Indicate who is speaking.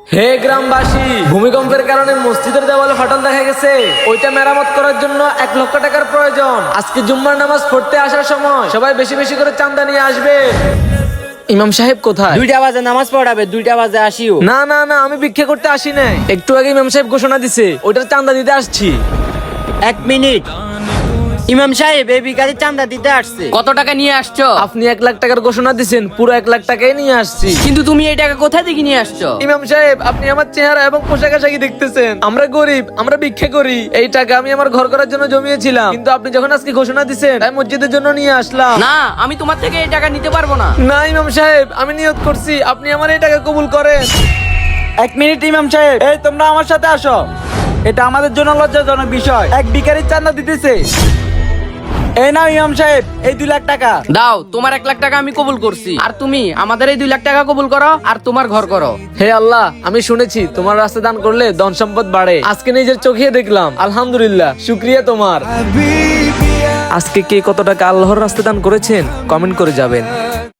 Speaker 1: হে গ্রামবাসী, ভূমিকম্পের কারণে মসজিদের দেওয়ালে ফাটল দেখা গেছে। ওইটা মেরামত করার জন্য 1 লক্ষ টাকার প্রয়োজন। আজকে জুম্মার নামাজ পড়তে আসার সময় সবাই বেশি বেশি করে চাঁদা নিয়ে আসবে। ইমাম সাহেব কোথায়?
Speaker 2: 2টা বাজে নামাজ পড়াবে, 2টা বাজে আসিও।
Speaker 1: না না না, আমি ভিক্ষা করতে আসি নাই। একটু আগে ইমাম সাহেব ঘোষণা দিছে, ওইটার চাঁদা দিতে আসছি।
Speaker 2: 1 মিনিট। ইমাম সাহেব এই ভিখারি চাঁদা দিতে আসছে।
Speaker 3: কত টাকা নিয়ে আসছো?
Speaker 1: আপনি 1 লাখ টাকার ঘোষণা দিছেন, পুরো 1 লাখ টাকাই নিয়ে আসছি।
Speaker 3: কিন্তু তুমি এই টাকা কোথায় থেকে নিয়ে আসছো?
Speaker 1: ইমাম সাহেব, আপনি আমার চেহারা এবং পোশাক আশাকি দেখতেছেন। আমরা গরিব, আমরা ভিক্ষা করি। এই টাকা আমি আমার ঘর করার জন্য জমিয়েছিলাম, কিন্তু আপনি যখন আজকে ঘোষণা দিছেন, তাই মসজিদের জন্য নিয়ে আসলাম।
Speaker 3: না, আমি তোমার থেকে এই টাকা নিতে পারবো না।
Speaker 1: না ইমাম সাহেব, আমি নিয়ত করছি, আপনি আমার এই টাকা কবুল করেন।
Speaker 4: 1 মিনিট ইমাম সাহেব, এই তোমরা আমার সাথে আসো। এটা আমাদের জন্য লজ্জাজনক বিষয়। এক ভিখারির চাঁদা দিতেছে। এই নাও ইমাম সাহেব, এই 2 লাখ টাকা।
Speaker 3: দাও, তোমার 1 লাখ টাকা আমি কবুল করছি, আর তুমি আমাদের এই 2 লাখ টাকা কবুল করো আর তোমার ঘর করো।
Speaker 1: হে আল্লাহ, আমি শুনেছি তোমার রাস্তা দান করলে ধন সম্পদ বাড়ে। আজকে নিজের চোখে দেখলাম, আলহামদুলিল্লাহ, শুকরিয়া তোমার। আজকে কে কত টাকা আল্লাহর রাস্তা দান করেছেন কমেন্ট করে যাবেন।